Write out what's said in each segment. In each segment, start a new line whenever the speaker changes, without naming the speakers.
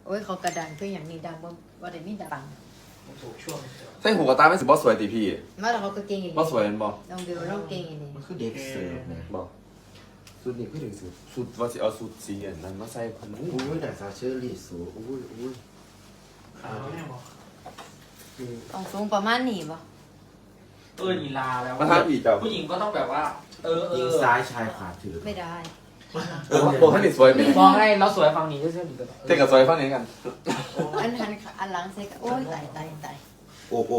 โอ้ยเขากระดังคืออย่างนี้ดังว่าได้มีดัง
ถูกช่วง
ใส่หูกระตาไม่สิบอสวยตีพี่
มาแล้วเขาก็เก่งอย่าง
บอ
นี้
สวยเห็นบอ
น้องเบลน้องเก่งอย่างนี้
มันคือเด็กเสิร์ฟนะ
บอสุดนี่พี่ถึงสุดว่าสิเอาสุดสีอันนั้นมาใส่พัน
อุ้ยแต่ซาเชอร์ลีสูอุ้ย
ขาแม่บอก
ต้องสูงประมาณนี้ป่ะ
นีลาแล้ว
มาทำอีกเจ้า
ผู้หญิงก็ต้องแบบว่า
ยิงซ้ายชายขวาถือ
ไม่ได้
โอ้ท่านนี่สวยไหม
มองให้เราสวยฟังนี้ก็เชื่อหรือเปล่า
เท่กับสวยฟังนี้กัน
อันหันอันหลังเซ็กโอ้ยตาย
โอก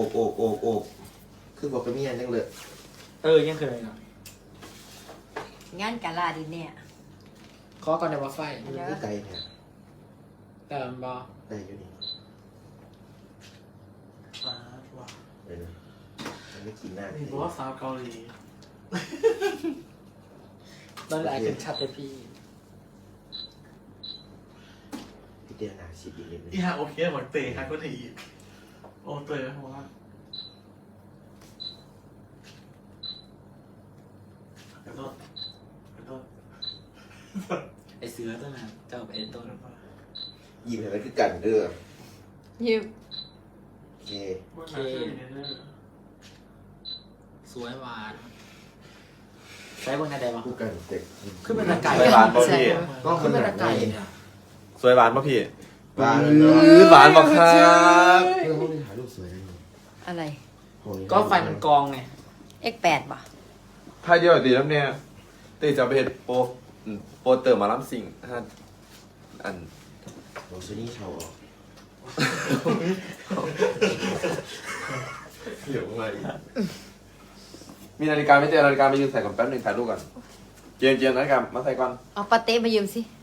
คือบอกกับเมียนั่งเลย
ยังเคยนะ
งานกาลาดิเนี่ย
ขอก่อนในว่าไฟ
มันคือไกลเนี่ย
แต่บอ
ได้อยู่นี่
ว้า
เลยนะมันไม่กินหน้า
นี่บอกว่าสาวเกาหลี
ตอนแรกเป็นชัดเลยพี่
พี่เดียวหนาชิดอีกนิดนึง
อีห่าโอเคเหมือนเตะครับก็ถีบโอ้เตะเพราะว่าขอโทษขอโทษ
ไอเสือตัวนั้นเจ้าไปไอต้น
ยิ้มเห็นไหมคือกันเด้อ
ยิบ
โอเค
ว่าหนาเชื่ออยู่ในเรื่อง
สวยหวานใช้บนไหนได้ปะ
คู่กันเด็ก
ขึ้นเป็นตะไก่
สวยหวานป่ะพี่
ก็
ขึ้นเป็นตะไก่
เนี่ย
สวยหวานป่ะพี่
หวานเนาะ
หวานป่ะครับ
เพื่อนพวกนี้ถ่ายรูปสวยนะนี่
อะไร
ก็ไฟมันกองไง
X8 ป่ะ
พายเดียวดีแล้วเนี่ยตีจะไปเห็นโปเตอร์มาล้ำสิ่งอัน
โรซนี่ชาวออก
เดี๋ยวอะไรมีนาฬิกาไม่เจอนาฬิกาไปยืนใส่ก่อนแป๊บนึงถ่ายรูปก่อนเจียมนาฬิกามาใส่ก่อน
เอาปาเต้มายืมสิ